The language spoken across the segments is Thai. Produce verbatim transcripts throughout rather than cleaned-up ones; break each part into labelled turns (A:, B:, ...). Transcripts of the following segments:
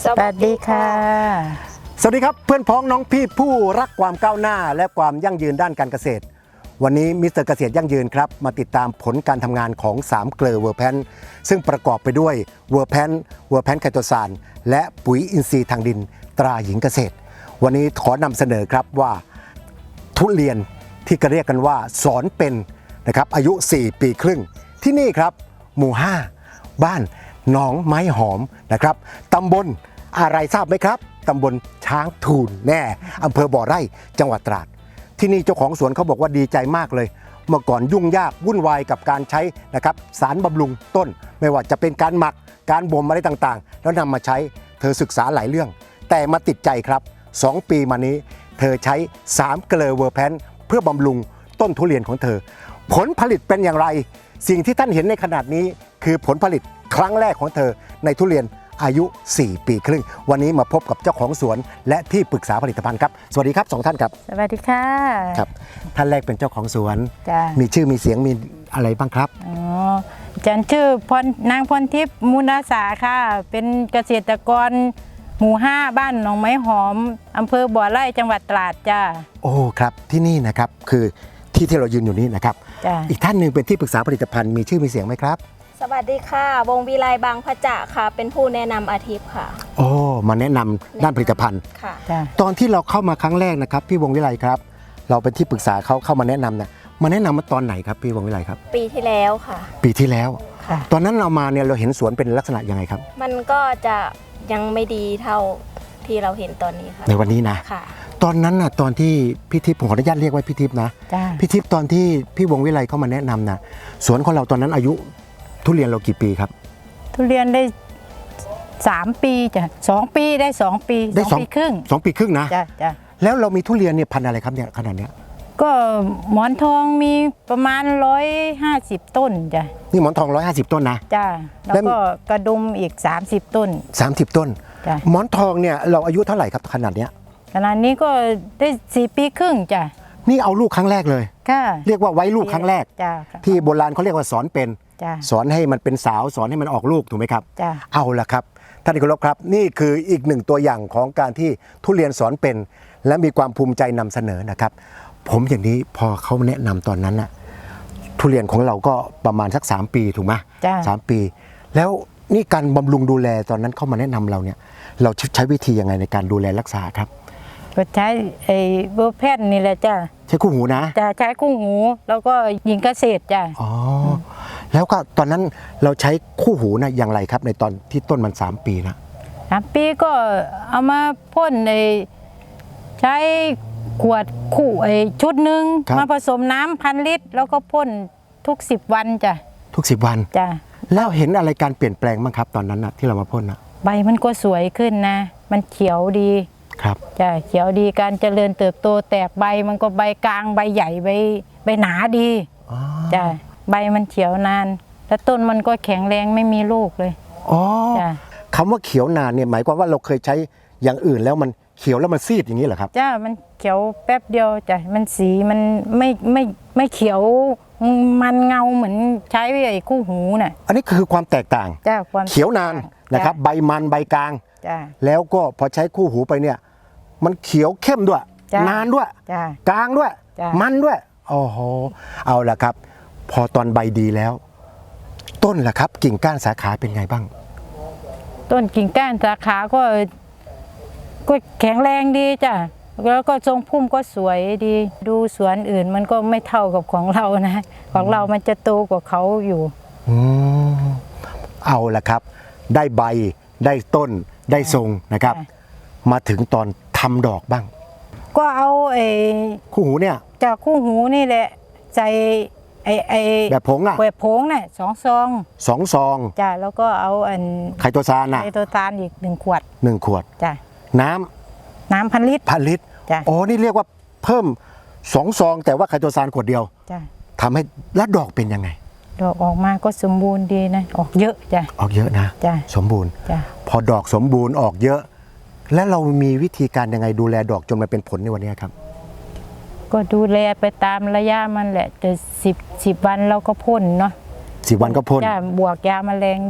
A: สวัสดีค่ะ
B: สวัสดีครับเพื่อนพ้องน้องพี่ผู้รักความก้าวหน้าและความยั่งยืนด้านการเกษตรวันนี้มิสเตอร์เกษตรยั่งยืนครับมาติดตามผลการทำงานของสามเกลอเวอร์แพนซึ่งประกอบไปด้วยเวอร์แพนเวอร์แพนไคโตซานและปุ๋ยอินทรีย์ทางดินตราหญิงเกษตรวันนี้ขอนำเสนอครับว่าทุเรียนที่ก็เรียกกันว่าสอนเป็นนะครับอายุสี่ปีครึ่งที่นี่ครับหมู่ห้าบ้านหนองไม้หอมนะครับตำบลอะไรทราบไหมครับตำบลช้างทูลแน่อำเภอบ่อไร่จังหวัดตราดที่นี่เจ้าของสวนเขาบอกว่าดีใจมากเลยเมื่อก่อนยุ่งยากวุ่นวายกับการใช้นะครับสารบำรุงต้นไม่ว่าจะเป็นการหมักการบ่มอะไรต่างๆแล้วนำมาใช้เธอศึกษาหลายเรื่องแต่มาติดใจครับสองปีมานี้เธอใช้สามเกลอเวอร์แพนเพื่อบำรุงต้นทุเรียนของเธอผลผลิตเป็นอย่างไรสิ่งที่ท่านเห็นในขนาดนี้คือผลผลิตครั้งแรกของเธอในทุเรียนอายุสี่ปีครึ่งวันนี้มาพบกับเจ้าของสวนและที่ปรึกษาผลิตภัณฑ์ครับสวัสดีครับสองท่านครับ
A: สวัสดีค่ะ
B: ครับท่านแรกเป็นเจ้าของสวน
A: จ้ะ
B: มีชื่อมีเสียงมีอะไรบ้างครับ
A: อ๋อฉันชื่อพรนางพรทิพย์มูลอาสาค่ะเป็นเกษตรกรหมู่ห้าบ้านหนองไม้หอมอำเภอบ่อไร่จังหวัดตราดจ้า
B: โอ้ครับที่นี่นะครับคือที่ที่เรายืนอยู่นี้นะครับอีกท่านหนึ่งเป็นที่ปรึกษาผลิตภัณฑ์มีชื่อมีเสียงไหมครับ
C: สวัสดีค่ะวงวิไลบางพระจ่าค่ะเป็นผู้แนะนำอาทิตย์ค่ะ
B: โอ้มาแนะนำด้านผลิตภัณฑ์
C: ค่ะ
B: ตอนที่เราเข้ามาครั้งแรกนะครับพี่วงวิไลครับเราเป็นที่ปรึกษาเขาเข้ามาแนะนำเนี่ยมาแนะนำมาตอนไหนครับพี่วงวิไลครับ
C: ปีที่แล้วค่ะ
B: ปีที่แล้วตอนนั้นเรามาเนี่ยเราเห็นสวนเป็นลักษณะยังไงครับ
C: มันก็จะยังไม่ดีเท่าที่เราเห็นตอนนี้ค่ะ
B: ในวันนี้นะ
C: ค่ะ
B: ตอนนั้นน่ะตอนที่พี่ทิพย์ผมขออนุญาตเรียกว่าพี่ทิพย์นะพี่ทิพย์ตอนที่พี่วงวิไลเข้ามาแนะนำนะสวนของเราตอนนั้นอายุทุเรียนเรากี่ปีครับ
A: ทุเรียนได้สามปีจ้ะสองปีได้สองปี
B: ได้สอง
A: ปีครึ่ง
B: สองปีครึ่งนะ
A: จ้ะจ้ะ
B: แล้วเรามีทุเรียนเนี่ยพันธุ์อะไรครับเนี่ยขนาดเนี้ย
A: ก็หมอนทองมีประมาณร้อยห้าสิบต้นจ้ะ
B: นี่หมอนทองร้อยห้าสิบต้นนะ
A: จ้ะแล้วก็กระดุมอีกสามสิบต้น
B: สามสิบต้น
A: จ้ะ
B: หมอนทองเนี่ยเราอายุเท่าไหร่ครับขนาดเนี้ย
A: ขนาดนี้ก็ได้สี่ปีครึ่งจ้ะ
B: นี่เอาลูกครั้งแรกเลย
A: ค่ะ
B: เรียกว่าไว้ลูกครั้งแรก
A: จ้ะ
B: ที่โบราณเขาเรียกว่าสอนเป็นสอนให้มันเป็นสาวสอนให้มันออกลูกถูกไหมครับเอาละครับท่านที่เคารพครับนี่คืออีกหนึ่งตัวอย่างของการที่ทุเรียนสอนเป็นและมีความภูมิใจนำเสนอนะครับผมอย่างนี้พอเขาแนะนำตอนนั้นน่ะทุเรียนของเราก็ประมาณสักสามปีถูกไหมสามปีแล้วนี่การบำรุงดูแลตอนนั้นเข้ามาแนะนำเราเนี่ยเราใช้วิธียังไงในการดูแลรักษาครับ
A: ก็ใช้ไอ้เบอร์แพนนี่แหละจ้ะ
B: ใช้คู่หูนะ
A: จะใช้คู่หูแล้วก็หญิงเกษตรจ้ะ
B: อ๋อแล้วก็ตอนนั้นเราใช้คู่หูนะอย่างไรครับในตอนที่ต้นมันสามปีนะ
A: สามปีก็เอามาพ่นในใช้ขวดคู่ไอ้ชุดหนึ่งมาผสมน้ำพันลิตรแล้วก็พ่นทุกสิบวันจ้ะ
B: ทุกสิบวัน
A: จ้ะ
B: แล้วเห็นอะไรการเปลี่ยนแปลงบ้างครับตอนนั้นนะที่เรามาพ่นนะ
A: ใบมันก็สวยขึ้นนะมันเขียวดี
B: ครับ
A: จ้ะเขียวดีการเจริญเติบโตแตกใบมันก็ใบกลางใบใหญ่ใบใบหนาดีจ้ะใบมันเขียวนานแล้วต้นมันก็แข็งแรงไม่มีลูกเลย
B: อ๋อคำว่าเขียวนานเนี่ยหมายความว่าเราเคยใช้อย่างอื่นแล้วมันเขียวแล้วมันซีดอย่างนี้เหรอครับ
A: จ้ะมันเขียวแป๊บเดียวจ้ะมันสีมันไม่ไม่ไม่เขียวมันเงาเหมือนใช้ไอ้คู่หูน่ะ
B: อันนี้คือความแตกต่าง
A: จ้ะความ
B: เขียวนานนะครับใบมันใบกลางแล้วก็พอใช้คู่หูไปเนี่ยมันเขียวเข้มด้วยนานด้วยกลางด้วยมันด้วยโอ้โหเอาละครับพอตอนใบดีแล้วต้นล่ะครับกิ่งก้านสาขาเป็นไงบ้าง
A: ต้นกิ่งก้านสาขาก็ก็แข็งแรงดีจ้ะแล้วก็ทรงพุ่มก็สวยดีดูสวนอื่นมันก็ไม่เท่ากับของเรานะของเรามันจะโตกว่าเขาอยู่
B: อืมเอาละครับได้ใบได้ต้นได้ทรงนะครับมาถึงตอนทำดอกบ้าง
A: ก็เอาไอ้
B: คู่หูเนี่ย
A: จากคู่หูนี่แหละใส่ไอ้ไอ้
B: แบบผงอะ
A: แบบผงเนี่ยสองซอง
B: สองซอง
A: จ้ะแล้วก็เอาอัน
B: ไคโตซานอะ
A: ไคโตซานอีกหนึ่งขวด
B: หนึ่งขวด
A: จ้ะ
B: น้
A: ำน้ำพันลิตร
B: พันลิตร
A: จ้ะ
B: อ๋อนี่เรียกว่าเพิ่มสองซองแต่ว่าไคโตซานขวดเดียว
A: จ้ะ
B: ทำให้แล้วดอกเป็นยังไง
A: ดอกออกมาก็สมบูรณ์ดีนะออกเยอะจ้ะ
B: ออกเยอะนะ
A: จ้ะ
B: สมบูรณ์
A: จ้ะ
B: พอดอกสมบูรณ์ออกเยอะแล้วเรามีวิธีการยังไงดูแลดอกจนมันเป็นผลในวันนี้ครับ
A: ก็ดูแลไปตามระยะมันแหละแต่สิบสิบวันเราก็พ่นเนาะ
B: สิบวันก็พ่น
A: จ้ะบวกยาแมลงด้วย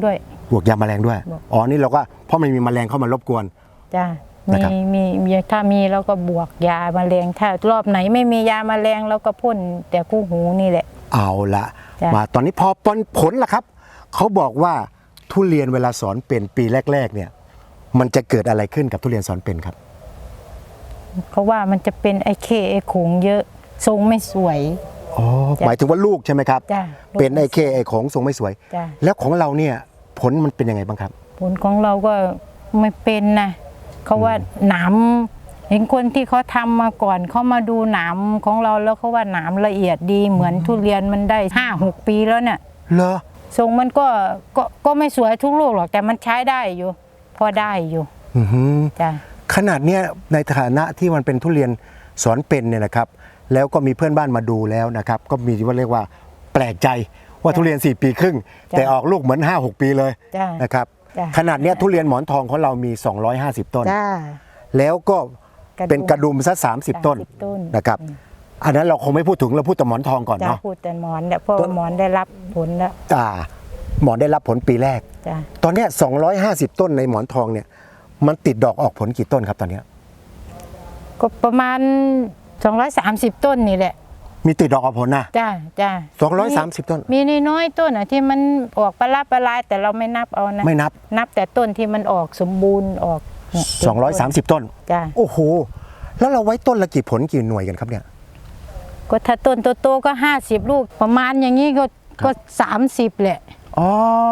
B: บวกยาแมลงด้วย
A: บวก
B: อ๋อนี่เราก็เพราะมันมีแมลงเข้ามารบกวน
A: จ้ะ
B: นะ
A: มี
B: ครับ
A: มีมีถ้ามีเราก็บวกยาแมลงถ้ารอบไหนไม่มียาแมลงเราก็พ่นแต่คู่หูนี่แหละ
B: เอาละ
A: จ้ะ
B: มาตอนนี้พอผลผลล่ะครับเขาบอกว่าทุเรียนเวลาสอนเป็นปีแรกๆเนี่ยมันจะเกิดอะไรขึ้นกับทุเรียนสอนเป็นครับ
A: เขาว่ามันจะเป็นไอ้เคไอ้ขงเยอะทรงไม่สวย
B: อ๋อ
A: จ้ะ
B: หมายถึงว่าลูกใช่ไหมครับ
A: จ้ะ
B: เป็นไอเคไอของทรงไม่สวย
A: จ้ะ
B: แล้วของเราเนี่ยผลมันเป็นยังไงบ้างครับ
A: ผลของเราก็ไม่เป็นนะเขาว่าหนามเห็นคนที่เขาทำมาก่อนเขามาดูหนามของเราแล้วเขาว่าหนามละเอียดดีเหมือนทุเรียนมันได้ห้าหกปีแล้วเนี่ย
B: เหรอ
A: ทรงมันก็ก็ก็ไม่สวยทุกลูกหรอกแต่มันใช้ได้อยู่ พอได้อยู่
B: อือหือ
A: จ้ะ
B: ขนาดเนี้ยในฐานะที่มันเป็นทุเรียนสอนเป็นเนี่ยนะครับ แล้วก็มีเพื่อนบ้านมาดูแล้วนะครับ ก็มีว่าเรียกว่าแปลกใจว่าทุเรียนสี่ปีครึ่ง แต่ออกลูกเหมือน ห้าหก ปีเลย
A: จ้ะ
B: นะครับ
A: จ้ะ
B: ขนาดเนี้ยทุเรียนหมอนทองของเรามี สองร้อยห้าสิบ ต้น
A: จ้า
B: แล้วก็
A: กระดุม
B: เป็นกระดุมซะสามสิบ ต้น
A: สามสิบต้น
B: นะครับ อันนั้นเราคงไม่พูดถึงเราพูดแต่หมอนทองก่อน
A: จ้า
B: เนาะ
A: พูดแต่หมอนเนี่ยเพราะว่าหมอนได้รับผลแล้ว
B: อ่าหมอนได้รับผลปีแรก
A: จ้ะ
B: ตอนเนี้ยสองร้อยห้าสิบ ต้นในหมอนทองเนี่ยมันติดดอกออกผลกี่ต้นครับตอนเนี้ย
A: ก็ประมาณสองร้อยสามสิบต้นนี่แหละ
B: มีติดดอกออกผลนะ
A: จ้าจ้า
B: สองร้อยสามสิบ ต้น
A: มีน้อยๆต้นอ่ะที่มันออกประลาประลายแต่เราไม่นับเอานะ
B: ไม่นับ
A: นับแต่ต้นที่มันออกสมบูรณ์ออกเนี่ย
B: สองร้อยสามสิบ ต้น
A: จ้า
B: โอ้โห แล้วเราไว้ต้นละกี่ผลกี่หน่วยกันครับเนี่ย
A: ก็ถ้าต้นโตๆก็ห้าสิบลูกประมาณอย่างนี้ก็ก็สามสิบแหละ
B: อ๋อก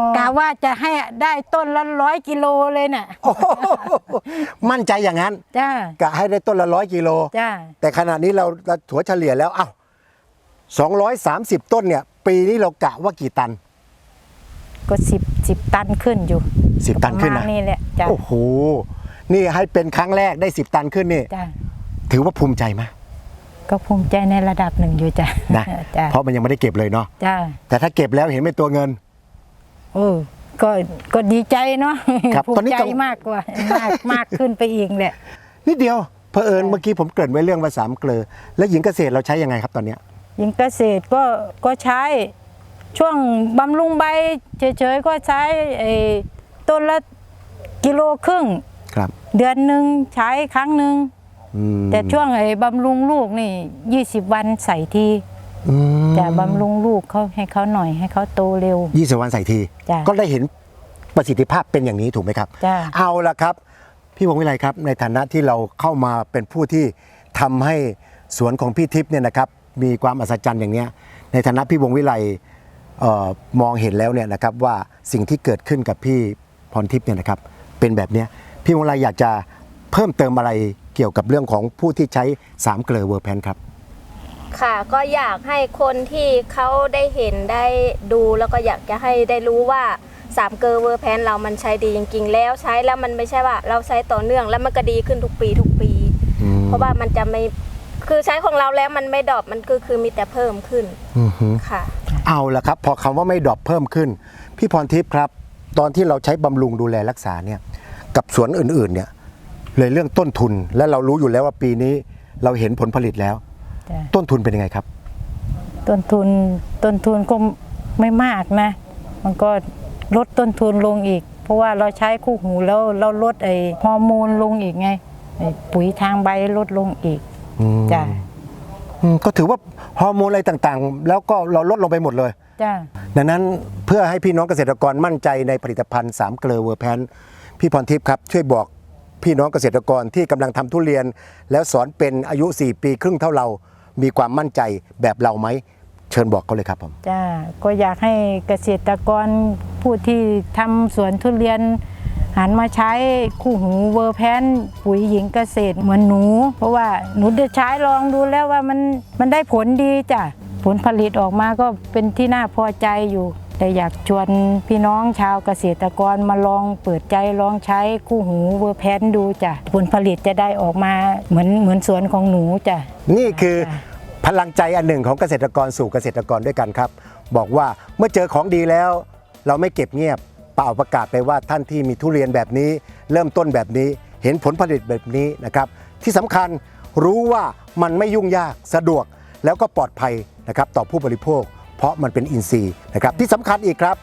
A: ะว่าจะให้ได้ต้นละร้อยกิโลเลยน่ะ
B: โอ้โหมั่นใจอย่างนั้น
A: จ้าก
B: ะให้ได้ต้นละร้อยกิโล
A: จ้า
B: แต่ขณะนี้เราเราถัวเฉลี่ยแล้ว เอ้าสองร้อยสามสิบ ต้นเนี่ย ปีนี้เรากะว่ากี่ตัน
A: ก็สิบสิบตันขึ้นอยู่
B: สิบ ตันขึ้น
A: ป
B: นะ
A: ระมาณนี่แหละจ้า
B: โอ้โห นี่ให้เป็นครั้งแรกได้สิบ ตันขึ้นนี่
A: จ้า
B: ถือว่าภูมิใจไหม
A: ก็ภูมิใจในระดับหนึ่งอยู่จ้ะ
B: นะ
A: จ้า
B: เพราะมันยังไม่ได้เก็บเลยเนาะ
A: จ้า
B: แต่ถ้าเก็บแล้วเห็นเป็นตัวเงิน
A: โอ้ก็ก็ดีใจเนาะ
B: ครับ
A: ภู
B: ตอน
A: มิ
B: นี้
A: ใจ
B: กัง
A: มากกว่ามากมากขึ้นไปอีกแหละ
B: นิดเดียวเผอิญ
A: จ้ะ
B: เมื่อกี้ผมเกริ่นไว้เรื่องภาษามเกลอแล้วหญิงเกษตรเราใช้ยังไงครับตอนเนี้ย
A: ยิงเกษตรก็ก็ใช้ช่วงบำรุงใบเฉยๆก็ใช้ไอ้ต้นละกิโลครึ่ง
B: ครับ
A: เดือนหนึ่งใช้ครั้งหนึ่ง
B: อืม
A: แต่ช่วงไอ้บำรุงลูกนี่ยี่สิบวันใส่ที
B: อืม
A: จะบำรุงลูกเขาให้เขาหน่อยให้เขาโตเร็ว
B: ยี่สิบวันใส่ที
A: จ้ะ
B: ก็ได้เห็นประสิทธิภาพเป็นอย่างนี้ถูกไหมครับ
A: จ้ะ
B: เอาละครับ พี่วงวิไลครับในฐานะที่เราเข้ามาเป็นผู้ที่ทำให้สวนของพี่ทิพย์เนี่ยนะครับมีความอัศจรรย์อย่างเนี้ยในฐานะพี่วงวิไลเอ่อมองเห็นแล้วเนี่ยนะครับว่าสิ่งที่เกิดขึ้นกับพี่พรทิพย์เนี่ยนะครับเป็นแบบเนี้ยพี่วงวิไลอยากจะเพิ่มเติมอะไรเกี่ยวกับเรื่องของผู้ที่ใช้สามเกลอเวอร์แพนครับ
C: ค่ะก็อยากให้คนที่เขาได้เห็นได้ดูแล้วก็อยากจะให้ได้รู้ว่าสามเกอร์เวอร์แพนเรามันใช้ดีจริงๆแล้วใช้แล้วมันไม่ใช่ว่าเราใช้ต่อเนื่องแล้วมันก็ดีขึ้นทุกปีทุกปี
B: อืม
C: เพราะว่ามันจะไม่คือใช้ของเราแล้วมันไม่ดรอปมันคือคือมีแต่เพิ่มขึ้น
B: อือฮึ
C: ค่ะ
B: เอาละครับพอคำว่าไม่ดรอปเพิ่มขึ้น พี่พรทิพย์ครับ ตอนที่เราใช้บำรุงดูแลรักษาเนี่ยกับสวนอื่นๆเนี่ยเลยเรื่องต้นทุนและเรารู้อยู่แล้วว่าปีนี้เราเห็นผลผลิตแล้ว
A: จ้ะ
B: ต้นทุนเป็นยังไงครับ
A: ต้นทุนต้นทุนก็ไม่มากนะ มันก็ลดต้นทุนลงอีก เพราะว่าเราใช้คู่หูแล้วเราลดไอ้ฮอร์โมนลงอีกไงไอ้ปุ๋ยทางใบลดลงอีก
B: อืม
A: จ้ะ
B: อืมก็ถือว่าฮอร์โมนอะไรต่างๆ แล้วก็เราลดลงไปหมดเลย
A: จ้ะ
B: ดังนั้นเพื่อให้พี่น้องเกษตรกรมั่นใจในผลิตภัณฑ์สามเกลอเวอร์แพนพี่พรทิพย์ครับช่วยบอกพี่น้องเกษตรกรที่กำลังทำทุเรียน แล้วสอนเป็นอายุสี่ปีครึ่งเท่าเรา มีความมั่นใจแบบเราไหมเชิญบอกเขาเลยครับผม
A: จ้ะก็อยากให้เกษตรกรผู้ที่ทำสวนทุเรียน หันมาใช้คู่หูเวอร์แพนปุ๋ยหญิงเกษตรเหมือนหนู เพราะว่าหนูได้ใช้ลองดูแล้วว่ามันมันได้ผลดีจ้ะผลผลิตออกมาก็เป็นที่น่าพอใจอยู่ แต่อยากชวนพี่น้องชาวเกษตรกรมาลองเปิดใจลองใช้คู่หูเวอร์แพนดูจ้ะผลผลิตจะได้ออกมาเหมือนเหมือนสวนของหนูจ้ะ
B: นี่คือ
A: จ้ะ
B: พลังใจอันหนึ่งของเกษตรกรสู่เกษตรกรด้วยกันครับ บอกว่าเมื่อเจอของดีแล้ว เราไม่เก็บเงียบเป่าประกาศไปว่าท่านที่มีทุเรียนแบบนี้ เริ่มต้นแบบนี้เห็นผลผลิตแบบนี้นะครับที่สำคัญรู้ว่ามันไม่ยุ่งยากสะดวกแล้วก็ปลอดภัยนะครับต่อผู้บริโภค เพราะมันเป็นอินทรีย์นะครับที่สำคัญอีกครับ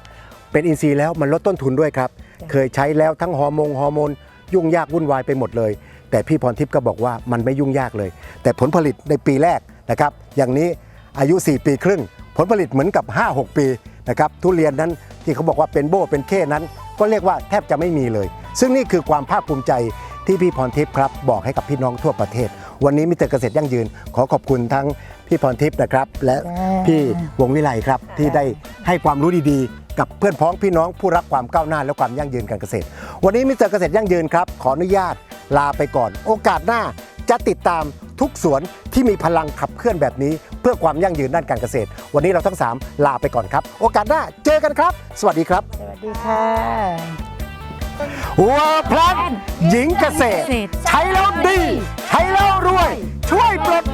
B: เป็นอินทรีย์แล้วมันลดต้นทุนด้วยครับ เคยใช้แล้วทั้งฮอร์โมนฮอร์โมนยุ่งยากวุ่นวายไปหมดเลย แต่พี่พรทิพย์ก็บอกว่ามันไม่ยุ่งยากเลย แต่ผลผลิตในปีแรกนะครับอย่างนี้อายุสี่ปีครึ่งผลผลิตเหมือนกับ ห้าหก ปีนะครับทุเรียนนั้นที่เขาบอกว่าเป็นโบ้เป็นเข้นั้นก็เรียกว่าแทบจะไม่มีเลย ซึ่งนี่คือความภาคภูมิใจที่พี่พรทิพย์ครับบอกให้กับพี่น้องทั่วประเทศ วันนี้มิสเตอร์เกษตรยั่งยืนขอขอบคุณทั้งพี่พรทิพย์นะครับและพี่วงวิไลครับที่ได้ให้ความรู้ดีๆ กับเพื่อนพ้องพี่น้องผู้รักความก้าวหน้าและความยั่งยืนการเกษตร วันนี้มิสเตอร์เกษตรยั่งยืนครับขออนุญาตลาไปก่อน โอกาสหน้าจะติดตามทุกสวนที่มีพลังขับเคลื่อนแบบนี้ เพื่อความยั่งยืนด้านการเกษตร วันนี้เราทั้งสามลาไปก่อนครับโอกาสหน้าเจอกันครับ สวัสดีครับ
A: สวัสดีค่ะ
B: เวอร์แพลนหญิงเกษตร ใช้แล้วดี ใช้แล้วรวย ช่วยปลด